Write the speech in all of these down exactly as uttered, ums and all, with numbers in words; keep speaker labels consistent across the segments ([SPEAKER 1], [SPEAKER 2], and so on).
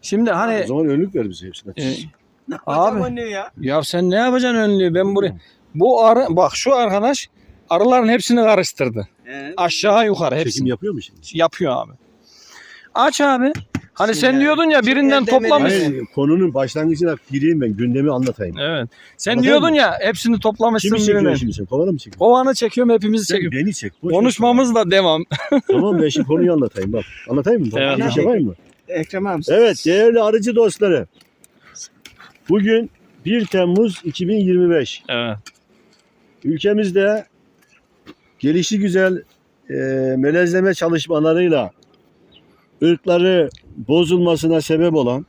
[SPEAKER 1] Şimdi
[SPEAKER 2] O
[SPEAKER 1] hani
[SPEAKER 2] zaman önlük ver bize hepsine.
[SPEAKER 1] e,
[SPEAKER 3] Ne
[SPEAKER 1] Abi.
[SPEAKER 3] yapacağım önlüğü ya?
[SPEAKER 1] ya sen ne yapacaksın önlüğü? Ben buraya bu arı bak şu arkadaş arıların hepsini karıştırdı.
[SPEAKER 3] He.
[SPEAKER 1] Aşağı yukarı
[SPEAKER 2] Çekim
[SPEAKER 1] hepsini
[SPEAKER 2] yapıyor mu şimdi?
[SPEAKER 1] yapıyor abi. Aç abi. Hani sen
[SPEAKER 3] Şimdi-
[SPEAKER 1] diyordun ya birinden
[SPEAKER 3] Şimdi
[SPEAKER 1] toplamışsın.
[SPEAKER 2] Hayır, konunun başlangıcına gireyim ben, gündemi anlatayım.
[SPEAKER 1] Evet. Sen
[SPEAKER 2] Anladın
[SPEAKER 1] diyordun
[SPEAKER 2] mı?
[SPEAKER 1] ya hepsini toplamışsın
[SPEAKER 2] Kimi çekiyorsun
[SPEAKER 1] birinden.
[SPEAKER 2] şimdi sen? Kovanı mı çekiyorsun?
[SPEAKER 1] Kovanı çekiyorum hepimizi
[SPEAKER 2] Sen
[SPEAKER 1] çekiyorum.
[SPEAKER 2] beni çek. boş ver.
[SPEAKER 1] Konuşmamızla devam.
[SPEAKER 2] Tamam ben şimdi konuyu anlatayım bak. Anlatayım mı?
[SPEAKER 1] Evet.
[SPEAKER 2] Bir şey var mı?
[SPEAKER 3] Ekrem abi.
[SPEAKER 2] Evet değerli arıcı dostları. Bugün bir Temmuz iki bin yirmi beş.
[SPEAKER 1] Evet.
[SPEAKER 2] Ülkemizde gelişi güzel e, melezleme çalışmalarıyla ırkları bozulmasına sebep olan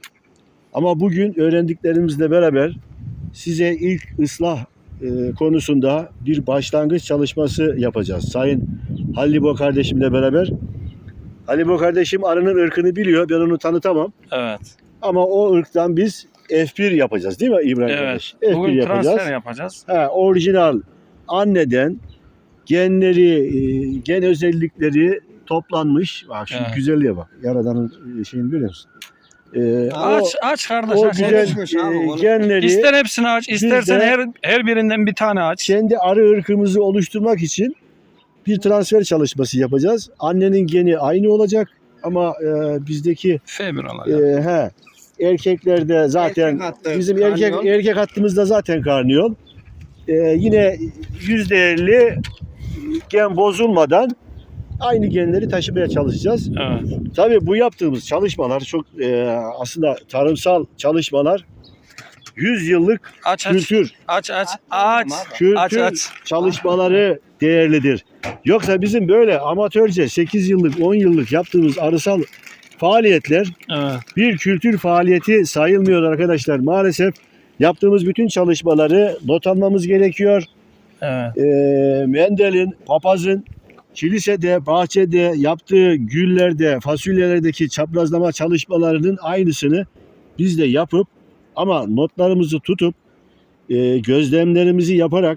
[SPEAKER 2] ama bugün öğrendiklerimizle beraber size ilk ıslah e, konusunda bir başlangıç çalışması yapacağız. Sayın Halibo kardeşimle beraber. Halibo kardeşim arının ırkını biliyor. Ben onu tanıtamam.
[SPEAKER 1] Evet.
[SPEAKER 2] Ama o ırktan biz F bir yapacağız değil mi İbrahim
[SPEAKER 1] Evet.
[SPEAKER 2] kardeş? F bir
[SPEAKER 1] Bugün
[SPEAKER 2] yapacağız.
[SPEAKER 1] transfer yapacağız.
[SPEAKER 2] Ha, orijinal anneden genleri, e, gen özellikleri toplanmış. Bak şu
[SPEAKER 1] Evet.
[SPEAKER 2] güzelliğe bak. Yaradan'ın e, şeyini görüyor musun? E,
[SPEAKER 1] Aç
[SPEAKER 2] o,
[SPEAKER 1] aç kardeş
[SPEAKER 2] o
[SPEAKER 1] aç.
[SPEAKER 2] güzel
[SPEAKER 3] konuşmuş abi,
[SPEAKER 2] e,
[SPEAKER 3] onu.
[SPEAKER 2] genleri
[SPEAKER 1] İster hepsini aç, istersen
[SPEAKER 2] de-
[SPEAKER 1] her her birinden bir tane aç.
[SPEAKER 2] kendi arı ırkımızı oluşturmak için bir transfer çalışması yapacağız. Annenin geni aynı olacak ama e, bizdeki
[SPEAKER 1] F bir
[SPEAKER 2] e,
[SPEAKER 1] alacağım.
[SPEAKER 2] he, erkeklerde zaten
[SPEAKER 3] Erkek hattı,
[SPEAKER 2] bizim erkek
[SPEAKER 3] karnıyol.
[SPEAKER 2] erkek hattımızda zaten karnıyol. E, yine yüzde elli gen bozulmadan aynı genleri taşımaya çalışacağız.
[SPEAKER 1] Evet.
[SPEAKER 2] Tabii bu yaptığımız çalışmalar çok e, aslında tarımsal çalışmalar yüz yıllık
[SPEAKER 1] Aç aç.
[SPEAKER 2] kültür
[SPEAKER 1] Aç aç aç.
[SPEAKER 2] kültür
[SPEAKER 1] Aç aç.
[SPEAKER 2] çalışmaları değerlidir. Yoksa bizim böyle amatörce sekiz yıllık on yıllık yaptığımız arısal faaliyetler
[SPEAKER 1] Evet.
[SPEAKER 2] bir kültür faaliyeti sayılmıyor arkadaşlar. Maalesef yaptığımız bütün çalışmaları not almamız gerekiyor.
[SPEAKER 1] Evet.
[SPEAKER 2] E, Mendel'in, papazın kilisede, bahçede yaptığı güllerde, fasulyelerdeki çaprazlama çalışmalarının aynısını biz de yapıp ama notlarımızı tutup e, gözlemlerimizi yaparak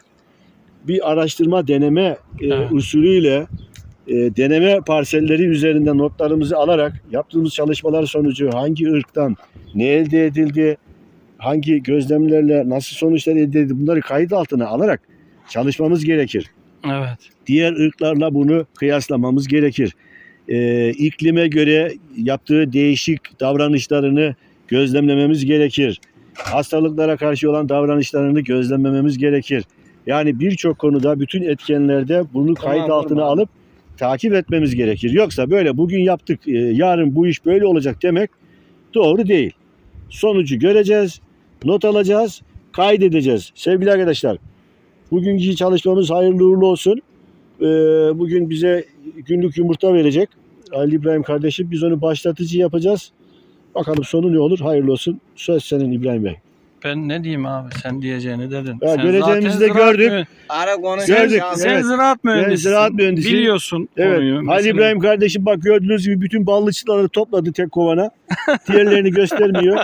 [SPEAKER 2] bir araştırma deneme e,
[SPEAKER 1] Evet.
[SPEAKER 2] usulüyle e, deneme parselleri üzerinde notlarımızı alarak yaptığımız çalışmalar sonucu hangi ırktan ne elde edildi, hangi gözlemlerle nasıl sonuçlar elde edildi bunları kayıt altına alarak çalışmamız gerekir.
[SPEAKER 1] Evet.
[SPEAKER 2] Diğer ırklarla bunu kıyaslamamız gerekir. Ee, iklime göre yaptığı değişik davranışlarını gözlemlememiz gerekir. Hastalıklara karşı olan davranışlarını gözlemlememiz gerekir. Yani birçok konuda bütün etkenlerde bunu
[SPEAKER 3] Tamam,
[SPEAKER 2] kayıt altına
[SPEAKER 3] tamam.
[SPEAKER 2] alıp takip etmemiz gerekir. Yoksa böyle bugün yaptık, e, yarın bu iş böyle olacak demek doğru değil. Sonucu göreceğiz, not alacağız, kaydedeceğiz. Sevgili arkadaşlar, bugünkü çalışmamız hayırlı uğurlu olsun. Ee, bugün bize günlük yumurta verecek Ali İbrahim kardeşim. Biz onu başlatıcı yapacağız. Bakalım sonu ne olur? Hayırlı olsun. Söz senin İbrahim Bey.
[SPEAKER 1] Ben ne diyeyim abi? Sen diyeceğini dedin.
[SPEAKER 2] Ya
[SPEAKER 1] Sen
[SPEAKER 2] göreceğimizi
[SPEAKER 1] zaten
[SPEAKER 2] de
[SPEAKER 1] ziraat
[SPEAKER 2] gördük.
[SPEAKER 1] mü-
[SPEAKER 3] Ara konuş.
[SPEAKER 2] Gördük,
[SPEAKER 3] Ya.
[SPEAKER 1] Sen
[SPEAKER 2] evet.
[SPEAKER 1] ziraat mühendisisin.
[SPEAKER 2] ziraat mühendisiyim.
[SPEAKER 1] Biliyorsun
[SPEAKER 2] Evet.
[SPEAKER 1] konuyu.
[SPEAKER 2] Ali
[SPEAKER 1] Mesela-
[SPEAKER 2] İbrahim kardeşim bak gördüğünüz gibi bütün ballıçları topladı tek kovana. Diğerlerini göstermiyor.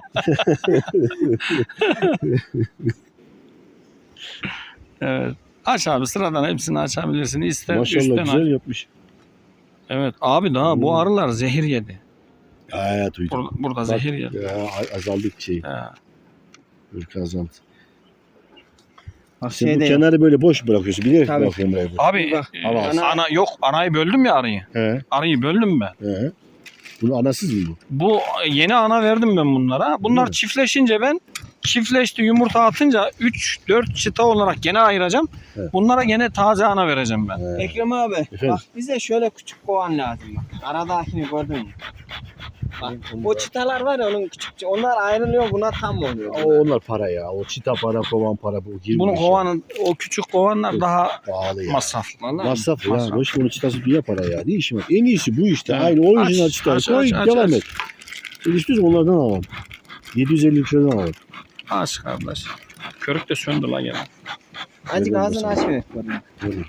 [SPEAKER 1] Evet. Aç abi sıradan hepsini açabilirsin. İster
[SPEAKER 2] Maşallah
[SPEAKER 1] üstten
[SPEAKER 2] güzel
[SPEAKER 1] aç.
[SPEAKER 2] yapmış.
[SPEAKER 1] Evet. Abi daha
[SPEAKER 2] Hmm.
[SPEAKER 1] bu arılar zehir yedi.
[SPEAKER 2] Evet duydum.
[SPEAKER 1] Burada, burada
[SPEAKER 2] Bak,
[SPEAKER 1] zehir yedi.
[SPEAKER 2] ya, azaldı şey.
[SPEAKER 1] Ha.
[SPEAKER 2] Irkı azaldı.
[SPEAKER 3] Bak
[SPEAKER 2] Sen bu
[SPEAKER 3] şeyde
[SPEAKER 2] kenarı böyle boş bırakıyorsun. Bilerek
[SPEAKER 3] Tabii.
[SPEAKER 2] bırakıyorum burayı.
[SPEAKER 1] Abi
[SPEAKER 3] Bak,
[SPEAKER 1] e,
[SPEAKER 2] ana-
[SPEAKER 1] ana, ana yok anayı böldüm ya arıyı.
[SPEAKER 2] He,
[SPEAKER 1] Arıyı böldüm ben.
[SPEAKER 2] he. Bunu anasız mı bu?
[SPEAKER 1] Bu yeni ana verdim ben bunlara. Bunlar
[SPEAKER 2] mi?
[SPEAKER 1] çiftleşince ben çiftleşti yumurta atınca üç dört çıta olarak gene ayıracağım.
[SPEAKER 2] Evet.
[SPEAKER 1] Bunlara gene taze ana vereceğim ben.
[SPEAKER 2] He.
[SPEAKER 3] Ekrem abi
[SPEAKER 2] Efendim?
[SPEAKER 3] bak bize şöyle küçük kovan lazım bak. Aradakini gördün mü? Bak, o çıtalar var ya onun küçük onlar ayrılıyor buna tam oluyor.
[SPEAKER 2] O onlar para ya. O çita para, kovan para. Bu girmiş
[SPEAKER 1] Bunun
[SPEAKER 2] ya.
[SPEAKER 1] kovanın o küçük kovanlar
[SPEAKER 2] Evet.
[SPEAKER 1] daha
[SPEAKER 2] Pahalı ya.
[SPEAKER 1] masraflı. Vallahi
[SPEAKER 2] Masraf ya.
[SPEAKER 1] masraf.
[SPEAKER 2] Boş bunun çıtası dünya para ya. Ne işim var? En iyisi bu işte.
[SPEAKER 1] Evet.
[SPEAKER 2] Aynı orijinal
[SPEAKER 1] Aç,
[SPEAKER 2] çıta.
[SPEAKER 1] aç,
[SPEAKER 2] Koy
[SPEAKER 1] aç, aç,
[SPEAKER 2] devam
[SPEAKER 1] aç.
[SPEAKER 2] et. Sen istiyorsan onlardan alalım. yedi yüz elli liradan alalım.
[SPEAKER 1] Aç kardeş. Körük de söndü la gene.
[SPEAKER 3] Azıcık
[SPEAKER 2] Öyle
[SPEAKER 3] ağzını
[SPEAKER 2] olmasın.
[SPEAKER 3] açmıyor.
[SPEAKER 2] Böyle.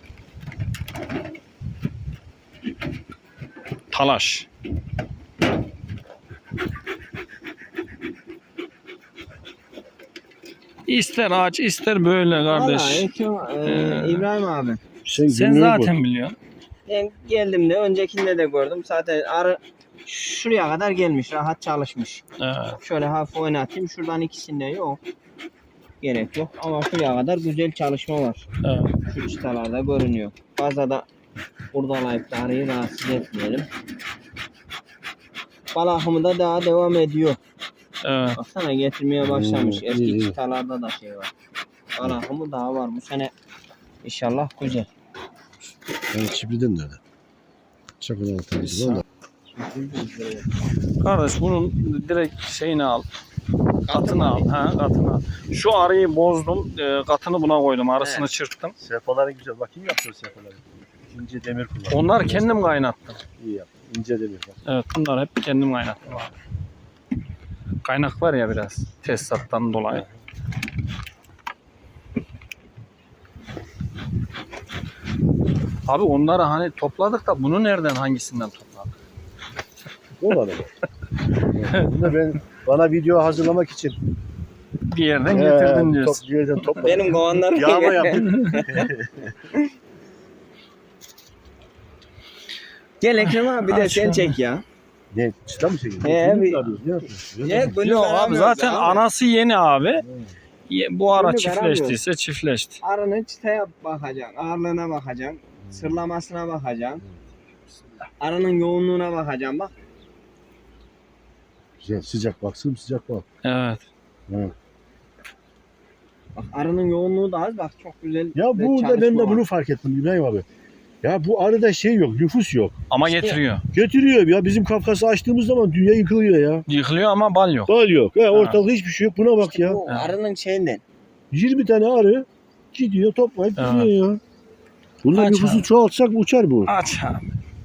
[SPEAKER 1] Talaş. İster aç ister böyle
[SPEAKER 3] Valla
[SPEAKER 1] kardeş.
[SPEAKER 3] Ekrem e,
[SPEAKER 1] Ee,
[SPEAKER 3] İbrahim abi.
[SPEAKER 2] Sen,
[SPEAKER 1] Sen
[SPEAKER 2] günlüğü
[SPEAKER 1] zaten biliyorsun.
[SPEAKER 3] Ben geldim de öncekinde de gördüm. Zaten arı şuraya kadar gelmiş. Rahat çalışmış.
[SPEAKER 1] Evet.
[SPEAKER 3] Şöyle hafif oynatayım. Şuradan ikisinde yok. Gerek yok. Ama şuraya kadar güzel çalışma var.
[SPEAKER 1] Evet.
[SPEAKER 3] Şu çıtalarda görünüyor. Fazla da kurdalayıp da arayı rahatsız etmeyelim. Bal akımı da daha devam ediyor.
[SPEAKER 1] Evet.
[SPEAKER 3] Baksana getirmeye başlamış.
[SPEAKER 2] Hmm,
[SPEAKER 3] Eski
[SPEAKER 2] iyi, iyi.
[SPEAKER 3] çıtalarda da şey var. Bal akımı daha var. Bu sene inşallah güzel.
[SPEAKER 2] Yani çiftliğden de öyle. Çakıdan tabii da.
[SPEAKER 1] Kardeş bunun direkt şeyini al. Katını al. Ha, katını al. Şu arıyı bozdum. E, katını buna koydum. Arasını
[SPEAKER 3] Evet.
[SPEAKER 1] çırptım.
[SPEAKER 2] Sefaları güzel. Bakayım yapıyor sefaları. İnce demir kullanıyor.
[SPEAKER 1] Onlar kendim kaynattım.
[SPEAKER 2] İyi yap. İnce demir bak.
[SPEAKER 1] Evet, bunlar hep kendim kaynattım abi. Kaynak var ya biraz tesisattan dolayı. Abi onları hani topladık da bunu nereden hangisinden topladık?
[SPEAKER 2] Olmadı mı? Bunu ben bana video hazırlamak için
[SPEAKER 1] Bir yerden getirdin
[SPEAKER 2] Ee,
[SPEAKER 1] diyorsun.
[SPEAKER 2] top, bir yerden topladım.
[SPEAKER 3] Benim kovanlarım
[SPEAKER 2] Yağma yaptık.
[SPEAKER 3] Gel Ekrem abi bir de
[SPEAKER 1] Aç
[SPEAKER 3] sen
[SPEAKER 1] şunu.
[SPEAKER 3] çek ya.
[SPEAKER 2] Ne? Çıta mı çekiyorsun?
[SPEAKER 3] He,
[SPEAKER 2] Film
[SPEAKER 3] bir-
[SPEAKER 2] mi arıyorsun? Ne yapıyorsun?
[SPEAKER 3] Ya, gönül
[SPEAKER 1] Yok abi
[SPEAKER 3] veremiyoruz
[SPEAKER 1] zaten
[SPEAKER 3] abi.
[SPEAKER 1] anası yeni abi. Ye- Bu ara
[SPEAKER 3] Gönül
[SPEAKER 1] çiftleştiyse çiftleşti.
[SPEAKER 3] Arının çıtaya bakacaksın, ağırlığına bakacaksın, sırlamasına bakacaksın, arının yoğunluğuna bakacaksın. Bak
[SPEAKER 2] Güzel, sıcak bak, sıcak bak.
[SPEAKER 1] Evet.
[SPEAKER 2] Hı.
[SPEAKER 3] Bak arının yoğunluğu da az. Bak çok güzel.
[SPEAKER 2] Ya
[SPEAKER 3] bir
[SPEAKER 2] burada ben
[SPEAKER 3] çalışma
[SPEAKER 2] de
[SPEAKER 3] var.
[SPEAKER 2] bunu fark ettim İbrahim abi. Ya bu arada şey yok, nüfus yok.
[SPEAKER 1] Ama
[SPEAKER 3] İşte-
[SPEAKER 1] getiriyor.
[SPEAKER 2] Getiriyor ya, bizim Kafkas'ı açtığımız zaman dünya yıkılıyor ya.
[SPEAKER 1] Yıkılıyor ama bal yok.
[SPEAKER 2] Bal yok. Ha, ortalıkta hiçbir şey yok. Buna bak
[SPEAKER 3] İşte
[SPEAKER 2] ya.
[SPEAKER 3] bu
[SPEAKER 1] Ha.
[SPEAKER 3] arının şeyinden.
[SPEAKER 2] yirmi tane arı gidiyor, toplayıp
[SPEAKER 1] Evet.
[SPEAKER 2] gidiyor ya. Bunlar
[SPEAKER 1] Aç
[SPEAKER 2] nüfusu
[SPEAKER 1] abi.
[SPEAKER 2] çoğaltsak uçar bu.
[SPEAKER 1] Aç abi.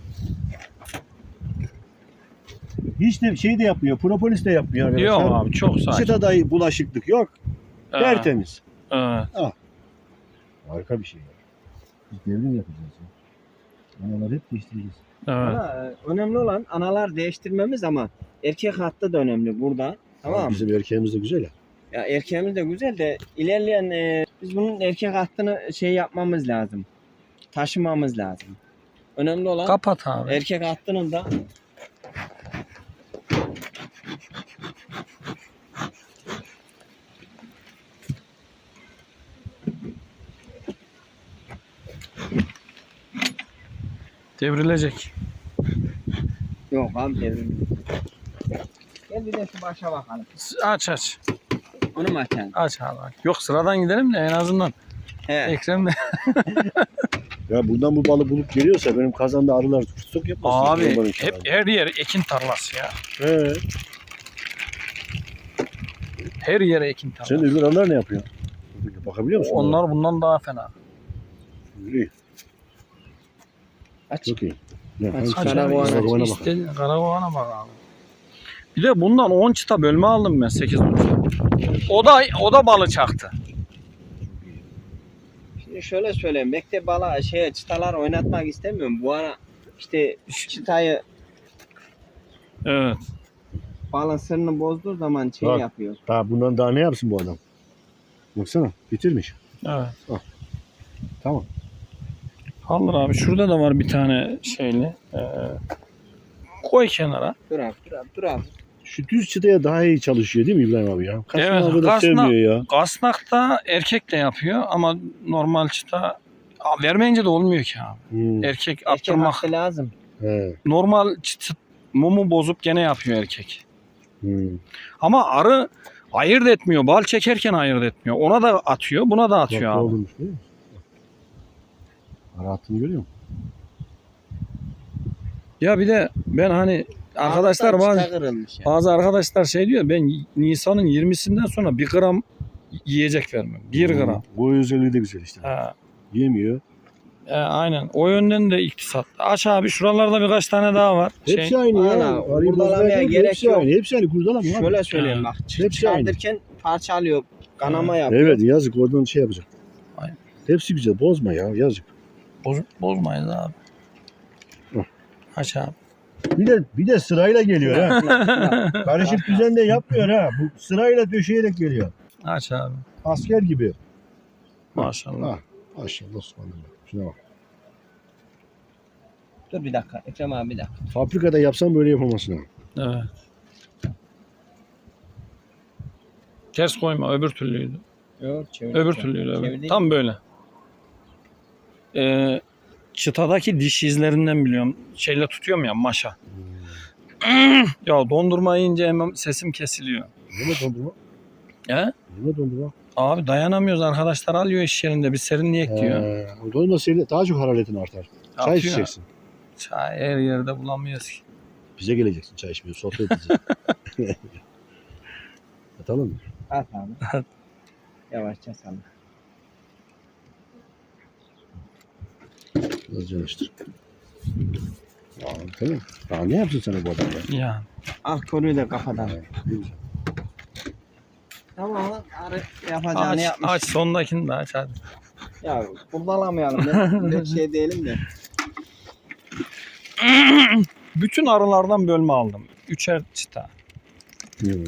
[SPEAKER 2] Hiç de şey de yapmıyor, propolis de yapmıyor arkadaşlar.
[SPEAKER 1] Yok abi çok sakin.
[SPEAKER 2] Çıta dahi bulaşıklık yok.
[SPEAKER 1] Evet.
[SPEAKER 2] Tertemiz.
[SPEAKER 1] Evet.
[SPEAKER 2] Harika bir şey ya. Biz devrim yapacağız ya. Analar hep değiştireceğiz.
[SPEAKER 1] Evet.
[SPEAKER 3] Ama e, önemli olan analar değiştirmemiz ama erkek hattı da önemli burada. Tamam mı?
[SPEAKER 2] Bizim erkeğimiz de güzel ya.
[SPEAKER 3] Ya erkeğimiz de güzel de ilerleyen e, biz bunun erkek hattını şey yapmamız lazım. Taşımamız lazım. Önemli olan
[SPEAKER 1] Kapat abi.
[SPEAKER 3] erkek hattının da
[SPEAKER 1] Devrilecek.
[SPEAKER 3] yok abi devrim. Gel bir de şu başa bakalım.
[SPEAKER 1] Aç aç.
[SPEAKER 3] Onu mu açalım?
[SPEAKER 1] Aç abi. Yok sıradan gidelim de en azından.
[SPEAKER 3] He.
[SPEAKER 1] Ekrem de.
[SPEAKER 2] Ya buradan bu balı bulup geliyorsa benim kazanda arılar tutsuk yapmasın.
[SPEAKER 1] Abi
[SPEAKER 2] Onların
[SPEAKER 1] hep
[SPEAKER 2] kenarında.
[SPEAKER 1] her yer ekin tarlası ya.
[SPEAKER 2] He.
[SPEAKER 1] Her yere ekin tarlası.
[SPEAKER 2] Sen öbür arılar ne yapıyor? Bakabiliyor musun?
[SPEAKER 1] Onlar bundan daha fena.
[SPEAKER 2] İyi.
[SPEAKER 3] Aç.
[SPEAKER 2] Çok iyi. Ne,
[SPEAKER 3] Aç,
[SPEAKER 2] hangisi?
[SPEAKER 3] aç. Karakovana.
[SPEAKER 2] Karakovana bak.
[SPEAKER 1] İstediğin karakovana bak abi. Bir de bundan on çıta bölme aldım ben sekiz on çıta. O da o da balı çaktı.
[SPEAKER 3] Şimdi şöyle söyleyeyim. Bekle bala şey çıtalar oynatmak istemiyorum. Bu ara işte çıtayı
[SPEAKER 1] Evet.
[SPEAKER 3] balın sırrını bozduğu zaman şey
[SPEAKER 2] Bak.
[SPEAKER 3] yapıyor.
[SPEAKER 2] Daha bundan daha ne yapsın bu adam? Baksana bitirmiş.
[SPEAKER 1] Evet.
[SPEAKER 2] Tamam.
[SPEAKER 1] Alır abi. Şurada da var bir tane şeyli. Ee, koy kenara.
[SPEAKER 3] Dur abi dur abi dur abi.
[SPEAKER 2] Şu düz çıtaya daha iyi çalışıyor değil mi İbrahim abi ya? Kaç
[SPEAKER 1] Evet,
[SPEAKER 2] abi da
[SPEAKER 1] kasna-
[SPEAKER 2] sevmiyor ya.
[SPEAKER 1] Kasnak da erkek de yapıyor ama normal çıta Aa, vermeyince de olmuyor ki abi.
[SPEAKER 2] Hmm.
[SPEAKER 1] Erkek
[SPEAKER 3] Erkek
[SPEAKER 1] attırmak.
[SPEAKER 3] hattı lazım.
[SPEAKER 2] He.
[SPEAKER 1] Normal çıtı mumu bozup gene yapıyor erkek.
[SPEAKER 2] Hmm.
[SPEAKER 1] Ama arı ayırt etmiyor. Bal çekerken ayırt etmiyor. Ona da atıyor, buna da
[SPEAKER 2] Bak,
[SPEAKER 1] atıyor
[SPEAKER 2] ne
[SPEAKER 1] abi.
[SPEAKER 2] olurmuş değil mi? Ara attığını görüyor musun?
[SPEAKER 1] Ya bir de ben hani arkadaşlar
[SPEAKER 3] Alttan
[SPEAKER 1] bazı,
[SPEAKER 3] çıta kırılmış ya.
[SPEAKER 1] bazı arkadaşlar şey diyor, ben Nisan'ın yirmisinden sonra bir gram yiyecek vermem. Bir
[SPEAKER 2] Hmm.
[SPEAKER 1] gram.
[SPEAKER 2] Bu özelliği de güzel işte.
[SPEAKER 1] Ha,
[SPEAKER 2] Yemiyor.
[SPEAKER 1] e, aynen. O yönden de iktisat. Aç abi şuralarda birkaç tane daha var.
[SPEAKER 2] Hepsi
[SPEAKER 1] Şey,
[SPEAKER 2] aynı ya.
[SPEAKER 3] Ana,
[SPEAKER 2] Arıyı
[SPEAKER 3] kurdalamaya
[SPEAKER 2] bozmaya gerek
[SPEAKER 3] gerek
[SPEAKER 2] hepsi
[SPEAKER 3] yok.
[SPEAKER 2] aynı. Hepsi aynı. Kurdalama abi.
[SPEAKER 3] Şöyle söyleyeyim bak.
[SPEAKER 2] Hepsi aynı.
[SPEAKER 3] Çıkardırken parçalıyor. Kanama yapıyor.
[SPEAKER 2] Evet yazık oradan şey yapacak.
[SPEAKER 1] Aynen.
[SPEAKER 2] Hepsi güzel. Bozma ya yazık.
[SPEAKER 1] boz, bozmayız abi.
[SPEAKER 2] Hı.
[SPEAKER 1] Aç abi.
[SPEAKER 2] Bir de bir de sırayla geliyor ha.
[SPEAKER 3] Bak,
[SPEAKER 2] Karışık
[SPEAKER 3] bak.
[SPEAKER 2] düzende yapmıyor ha. Bu sırayla döşeyerek geliyor.
[SPEAKER 1] Aç abi.
[SPEAKER 2] Asker gibi.
[SPEAKER 1] Maşallah.
[SPEAKER 2] Ha. Maşallah Osman'ım. Şuna bak.
[SPEAKER 3] Dur bir dakika. Ekrem abi bir dakika.
[SPEAKER 2] Fabrikada yapsam böyle yapamazsın ha.
[SPEAKER 1] Evet. Ters koyma, öbür türlüydü.
[SPEAKER 3] Yok, çevir.
[SPEAKER 1] Öbür türlüydü. Öbür.
[SPEAKER 3] Çevireyim.
[SPEAKER 1] Tam böyle. Ee, çıtadaki diş izlerinden biliyorum. Şeyle tutuyorum ya, maşa. Ya dondurma yiyince hemen sesim kesiliyor.
[SPEAKER 2] Ne dondurma?
[SPEAKER 1] He?
[SPEAKER 2] Ne dondurma?
[SPEAKER 1] Abi dayanamıyoruz, arkadaşlar alıyor iş yerinde. Biz serinleyek diyor.
[SPEAKER 2] Ee, o dondurma senin daha çok hararetin artar. Çay
[SPEAKER 1] Atıyor.
[SPEAKER 2] içeceksin.
[SPEAKER 1] Çay her yerde bulamıyoruz ki.
[SPEAKER 2] Bize geleceksin çay içmeye. Sohbet edeceğiz. Atalım mı?
[SPEAKER 3] At abi. Yavaşça salla.
[SPEAKER 2] Biraz çalıştır. Aa, tamam. Daha ne yapsın sana bu adam ya?
[SPEAKER 1] Yani.
[SPEAKER 3] Al konuyu da kafadan.
[SPEAKER 2] Ne güzel.
[SPEAKER 3] Tamam lan. Arı yapacağını
[SPEAKER 1] Aç,
[SPEAKER 3] yapmış.
[SPEAKER 1] aç sondakini de aç hadi.
[SPEAKER 3] Ya kullanamayalım. Ben bir şey değilim de.
[SPEAKER 1] Bütün arılardan bölme aldım. Üçer çıta.
[SPEAKER 2] Hmm.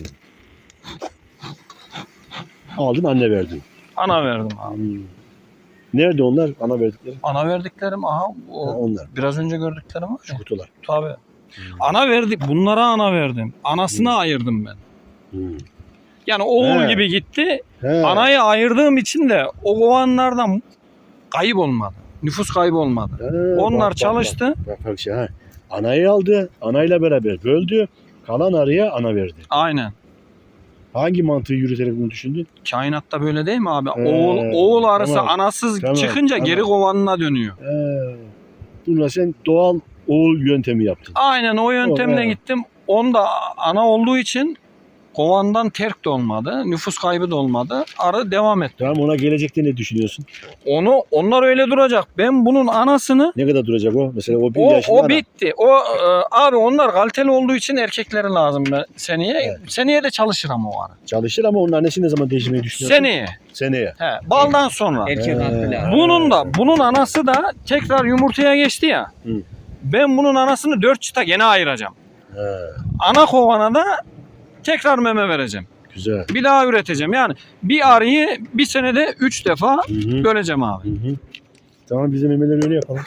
[SPEAKER 2] Aldın anne verdin.
[SPEAKER 1] Ana verdim abi.
[SPEAKER 2] Hmm. Nerede onlar? Ana verdikleri?
[SPEAKER 1] Ana verdiklerim aha
[SPEAKER 2] Ha,
[SPEAKER 1] o
[SPEAKER 2] onlar.
[SPEAKER 1] biraz önce gördüklerim var
[SPEAKER 2] Şu
[SPEAKER 1] ya.
[SPEAKER 2] kutular.
[SPEAKER 1] Tabii. Ana verdik. Bunlara ana verdim. Anasını
[SPEAKER 2] Hmm.
[SPEAKER 1] ayırdım ben.
[SPEAKER 2] Hmm.
[SPEAKER 1] Yani oğul
[SPEAKER 2] He.
[SPEAKER 1] gibi gitti.
[SPEAKER 2] He.
[SPEAKER 1] Anayı ayırdığım için de o kovanlardan kayıp olmadı. Nüfus kaybı olmadı.
[SPEAKER 2] He,
[SPEAKER 1] Onlar
[SPEAKER 2] bak, bak,
[SPEAKER 1] çalıştı.
[SPEAKER 2] Bak, bak, bak şey, ha. Anayı aldı. Anayla beraber böldü. Kalan arıya ana verdi.
[SPEAKER 1] Aynen.
[SPEAKER 2] Hangi mantığı yürüterek bunu düşündün?
[SPEAKER 1] Kainatta böyle değil mi abi?
[SPEAKER 2] He,
[SPEAKER 1] oğul oğul arısı
[SPEAKER 2] tamam,
[SPEAKER 1] anasız
[SPEAKER 2] tamam,
[SPEAKER 1] çıkınca
[SPEAKER 2] tamam.
[SPEAKER 1] geri kovanına dönüyor.
[SPEAKER 2] He. Bununla sen doğal oğul yöntemi yaptın.
[SPEAKER 1] Aynen o yöntemle
[SPEAKER 2] he.
[SPEAKER 1] gittim. Onda ana olduğu için kovandan terk de olmadı. Nüfus kaybı da olmadı. Arı devam etti.
[SPEAKER 2] Tamam, ona gelecekte ne düşünüyorsun?
[SPEAKER 1] Onu onlar öyle duracak. Ben bunun anasını
[SPEAKER 2] Ne kadar duracak o? Mesela o bir
[SPEAKER 1] o,
[SPEAKER 2] yaşında
[SPEAKER 1] o
[SPEAKER 2] ana.
[SPEAKER 1] bitti. O e, abi onlar kaliteli olduğu için erkekleri lazım ben seneye.
[SPEAKER 2] Evet.
[SPEAKER 1] Seneye de çalışır ama o arı.
[SPEAKER 2] Çalışır ama onun annesi ne zaman değiştirmeyi düşünüyorsun?
[SPEAKER 1] Seneye.
[SPEAKER 2] Seneye.
[SPEAKER 1] He, baldan sonra.
[SPEAKER 3] Erkek
[SPEAKER 2] He.
[SPEAKER 3] atlı lazım.
[SPEAKER 1] Bunun da bunun anası da tekrar yumurtaya geçti ya.
[SPEAKER 2] Hı.
[SPEAKER 1] Ben bunun anasını dört çıta gene ayıracağım.
[SPEAKER 2] He.
[SPEAKER 1] Ana kovana da tekrar meme vereceğim.
[SPEAKER 2] Güzel.
[SPEAKER 1] Bir daha üreteceğim. Yani bir arıyı bir senede üç defa
[SPEAKER 2] Hı hı.
[SPEAKER 1] böleceğim abi.
[SPEAKER 2] Hı hı. Tamam, bizim memeleri öyle yapalım.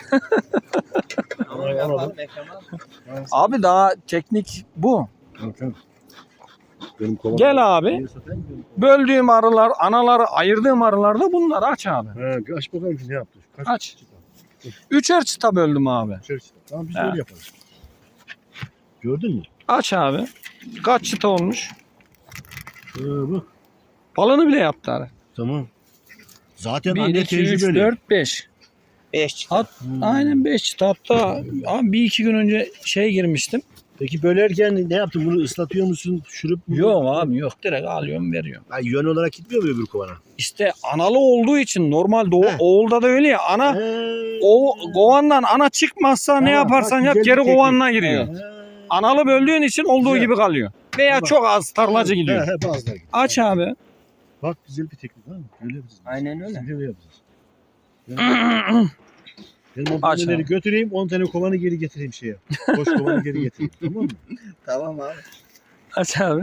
[SPEAKER 3] Ama yapalım Ekrem abi.
[SPEAKER 1] Abi daha teknik bu.
[SPEAKER 2] Tamam, tamam. Benim kovam.
[SPEAKER 1] Gel abi. Böldüğüm arılar, anaları ayırdığım arılar da bunlar. Aç abi.
[SPEAKER 2] He, aç bakalım ne yaptın? Kaç
[SPEAKER 1] Aç. Üçer çıta böldüm abi.
[SPEAKER 2] Şöyle işte. Tamam, biz
[SPEAKER 1] He.
[SPEAKER 2] öyle yaparız. Gördün mü?
[SPEAKER 1] Aç abi. Kaç çıta olmuş?
[SPEAKER 2] Ee, bak.
[SPEAKER 1] Balını bile yaptı arı.
[SPEAKER 2] Tamam. Zaten
[SPEAKER 1] bir,
[SPEAKER 2] anne
[SPEAKER 1] iki, üç,
[SPEAKER 2] tecrübeli.
[SPEAKER 1] dört, beş.
[SPEAKER 3] Beş çıta.
[SPEAKER 1] Hat,
[SPEAKER 2] Hmm.
[SPEAKER 1] Aynen beş çıta. Hatta abi bir iki gün önce şey girmiştim.
[SPEAKER 2] Peki bölerken ne yaptın? Bunu ıslatıyor musun? Şurup mu?
[SPEAKER 1] Yok abi yok. Direkt alıyorum veriyorum.
[SPEAKER 2] Ha, yön olarak gitmiyor mu öbür kovana?
[SPEAKER 1] İşte analı olduğu için normal doğu,
[SPEAKER 2] He.
[SPEAKER 1] oğulda da öyle ya. Ana
[SPEAKER 2] He.
[SPEAKER 1] o kovandan ana çıkmazsa ne
[SPEAKER 2] Tamam,
[SPEAKER 1] yaparsan
[SPEAKER 2] bak,
[SPEAKER 1] yap
[SPEAKER 2] güzel bir
[SPEAKER 1] geri
[SPEAKER 2] teknik.
[SPEAKER 1] kovanına giriyor.
[SPEAKER 3] Evet.
[SPEAKER 2] He.
[SPEAKER 1] Analı böldüğün için olduğu
[SPEAKER 2] Güzel.
[SPEAKER 1] gibi kalıyor. Veya
[SPEAKER 2] Tamam.
[SPEAKER 1] çok az tarlacı gidiyor.
[SPEAKER 2] He, he, bazıları gidiyor.
[SPEAKER 1] Aç abi.
[SPEAKER 2] Bak, güzel bir teknik ha. Öyle yapacağız.
[SPEAKER 3] Aynen öyle.
[SPEAKER 2] Biz de öyle yapacağız. Ben, ben o
[SPEAKER 1] Aç
[SPEAKER 2] paneleri
[SPEAKER 1] abi.
[SPEAKER 2] götüreyim, on tane kovanı geri getireyim şeye. Boş kovanı geri getireyim. Tamam mı?
[SPEAKER 3] Tamam abi.
[SPEAKER 1] Aç abi.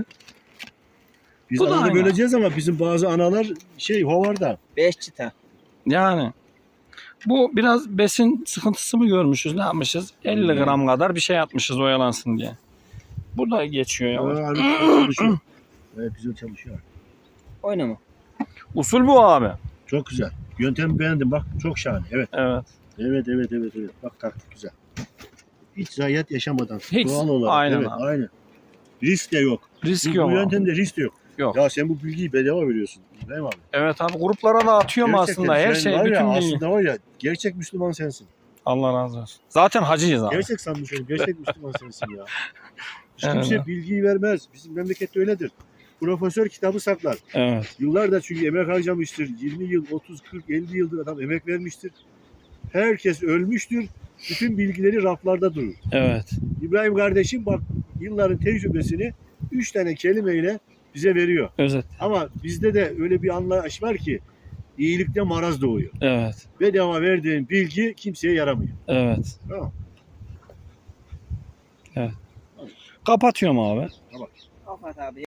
[SPEAKER 2] Biz
[SPEAKER 1] Bu da
[SPEAKER 2] analı
[SPEAKER 1] aynı.
[SPEAKER 2] böleceğiz ama bizim bazı analar şey hovarda.
[SPEAKER 3] Beş çıta.
[SPEAKER 1] Yani bu biraz besin sıkıntısı mı görmüşüz, ne yapmışız? elli gram kadar bir şey atmışız oyalansın diye. Bu da geçiyor ya.
[SPEAKER 2] Aa, abi, güzel çalışıyor. Evet, güzel çalışıyor.
[SPEAKER 3] Oynama.
[SPEAKER 1] Usul bu abi.
[SPEAKER 2] Çok güzel. Yöntemi beğendim, bak çok şahane. Evet.
[SPEAKER 1] Evet.
[SPEAKER 2] Evet, evet, evet, evet. Bak taktik güzel. Hiç zayiat yaşamadan.
[SPEAKER 1] Hiç.
[SPEAKER 2] Doğal olarak.
[SPEAKER 1] Aynen
[SPEAKER 2] evet,
[SPEAKER 1] abi.
[SPEAKER 2] aynen. Risk de yok.
[SPEAKER 1] Risk
[SPEAKER 2] Bu,
[SPEAKER 1] yok
[SPEAKER 2] bu
[SPEAKER 1] abi.
[SPEAKER 2] yöntemde risk de yok.
[SPEAKER 1] Yok.
[SPEAKER 2] Ya sen bu bilgiyi bedava veriyorsun. Değil mi abi?
[SPEAKER 1] Evet abi, gruplara da atıyorum
[SPEAKER 2] Gerçekten
[SPEAKER 1] aslında her
[SPEAKER 2] sen
[SPEAKER 1] şey,
[SPEAKER 2] var ya,
[SPEAKER 1] bütün bilgi.
[SPEAKER 2] aslında var ya, gerçek Müslüman sensin.
[SPEAKER 1] Allah razı olsun. Zaten hacıyız abi.
[SPEAKER 2] Gerçek sanmış oğlum. Gerçek Müslüman sensin ya. Hiç
[SPEAKER 1] Evet.
[SPEAKER 2] kimse bilgiyi vermez. Bizim memlekette öyledir. Profesör kitabı saklar.
[SPEAKER 1] Evet.
[SPEAKER 2] Yıllardır çünkü emek harcamıştır. yirmi yıl, otuz, kırk, elli yıldır adam emek vermiştir. Herkes ölmüştür. Bütün bilgileri raflarda durur.
[SPEAKER 1] Evet.
[SPEAKER 2] İbrahim kardeşim bak, yılların tecrübesini üç tane kelimeyle bize veriyor.
[SPEAKER 1] Özet.
[SPEAKER 2] Ama bizde de öyle bir anlayış var ki iyilikte maraz doğuyor.
[SPEAKER 1] Evet.
[SPEAKER 2] Bedava verdiğin bilgi kimseye yaramıyor.
[SPEAKER 1] Evet.
[SPEAKER 2] Tamam.
[SPEAKER 1] Kapatıyorum abi.
[SPEAKER 3] Kapat abi.